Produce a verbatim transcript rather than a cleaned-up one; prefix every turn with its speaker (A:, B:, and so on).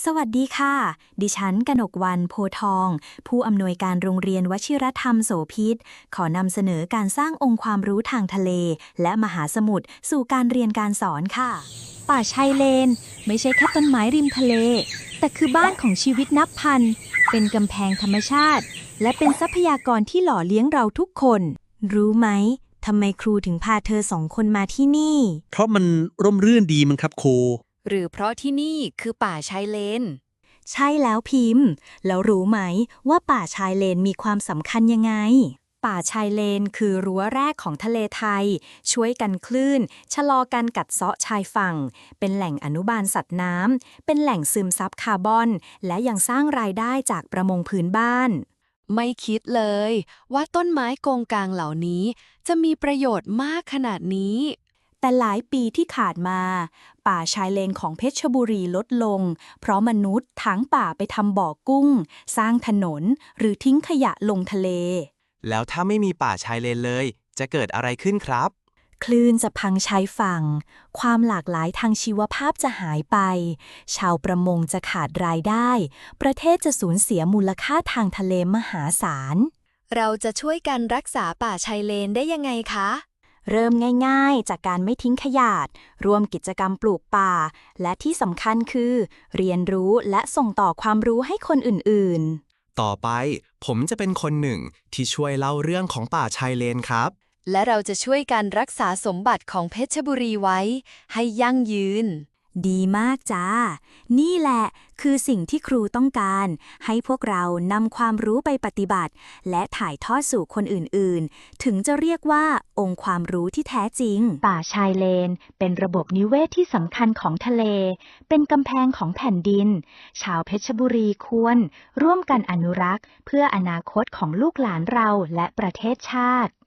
A: สวัสดีค่ะ ดิฉันกนกวรรณ โพธิ์ทอง ผู้อำนวยการโรงเรียนวชิรธรรมโสภิต ขอนำเสนอการสร้างองค์ความรู้ทางทะเล และมหาสมุทรสู่การเรียนการสอนค่ะ ป่าชายเลนไม่ใช่แค่ต้นไม้ริมทะเล แต่คือบ้านของชีวิตนับพัน เป็นกำแพงธรรมชาติ และเป็นทรัพยากรที่หล่อเลี้ยงเราทุกคน รู้ไหมทำไมครูถึงพาเธอสองคนมาที่นี่
B: เพราะมันร่มรื่นดีมั้งครับครู
C: หรือเพราะที่นี่คือป่าชายเลน
A: ใช่แล้วพิมพ์ แล้วรู้ไหมว่าป่าชายเลนมีความสำคัญยังไง ป่าชายเลนคือรั้วแรกของทะเลไทย ช่วยกันคลื่น ชะลอการกัดเซาะชายฝั่ง เป็นแหล่งอนุบาลสัตว์น้ำ เป็นแหล่งซึมซับคาร์บอน และยังสร้างรายได้จากประมงพื้นบ้าน
C: ไม่คิดเลยว่าต้นไม้โกงกางเหล่านี้ จะมีประโยชน์มากขนาดนี้
A: แต่หลายปีที่ขาดมา ป่าชายเลนของเพชรบุรีลดลง เพราะมนุษย์ถางป่าไปทำบ่อกุ้ง สร้างถนน หรือทิ้งขยะลงทะเล
D: แล้วถ้าไม่มีป่าชายเลนเลย จะเกิดอะไรขึ้นครับ
A: คลื่นจะพังชายฝั่ง ความหลากหลายทางชีวภาพจะหายไป ชาวประมงจะขาดรายได้ ประเทศจะสูญเสียมูลค่าทางทะเลมหาศาล
C: เราจะช่วยกันรักษาป่าชายเลนได้ยังไงคะ
A: เริ่มง่ายๆ จากการไม่ทิ้งขยะ ร่วมกิจกรรมปลูกป่า และที่สำคัญคือ เรียนรู้และส่งต่อความรู้ให้คนอื่นๆ
D: ต่อไปผมจะเป็นคนหนึ่งที่ช่วยเล่าเรื่องของป่าชายเลนครับ
C: และเราจะช่วยกันรักษาสมบัติของเพชรบุรีไว้ ให้ยั่งยืน
A: ดีมากจ้า นี่แหละคือสิ่งที่ครูต้องการ ให้พวกเรานำความรู้ไปปฏิบัติ และถ่ายทอดสู่คนอื่นๆ ถึงจะเรียกว่าองค์ความรู้ที่แท้จริง ป่าชายเลนเป็นระบบนิเวศที่สำคัญของทะเล เป็นกำแพงของแผ่นดิน ชาวเพชรบุรีควร ร่วมกันอนุรักษ์ เพื่ออนาคตของลูกหลานเราและประเทศชาติ